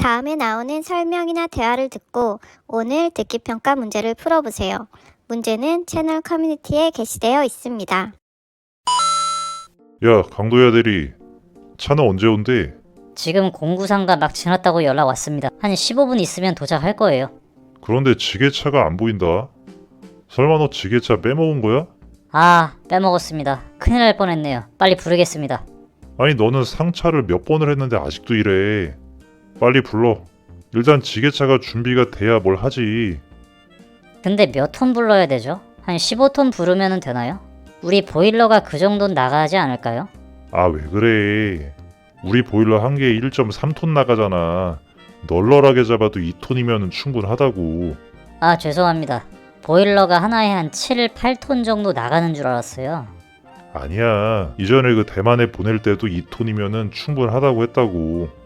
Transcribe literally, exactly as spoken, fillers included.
다음에 나오는 설명이나 대화를 듣고 오늘 듣기평가 문제를 풀어보세요. 문제는 채널 커뮤니티에 게시되어 있습니다. 야, 강도야 대리. 차는 언제 온대? 지금 공구상가 막 지났다고 연락 왔습니다. 한 십오 분 있으면 도착할 거예요. 그런데 지게차가 안 보인다. 설마 너 지게차 빼먹은 거야? 아, 빼먹었습니다. 큰일 날 뻔했네요. 빨리 부르겠습니다. 아니 너는 상차를 몇 번을 했는데 아직도 이래. 빨리 불러. 일단 지게차가 준비가 돼야 뭘 하지. 근데 몇 톤 불러야 되죠? 한 십오 톤 부르면 되나요? 우리 보일러가 그 정도는 나가지 않을까요? 아, 왜 그래. 우리 보일러 한 개에 일 점 삼 톤 나가잖아. 널널하게 잡아도 이 톤이면 충분하다고. 아, 죄송합니다. 보일러가 하나에 한 칠, 팔 톤 정도 나가는 줄 알았어요. 아니야. 이전에 그 대만에 보낼 때도 이 톤이면 충분하다고 했다고.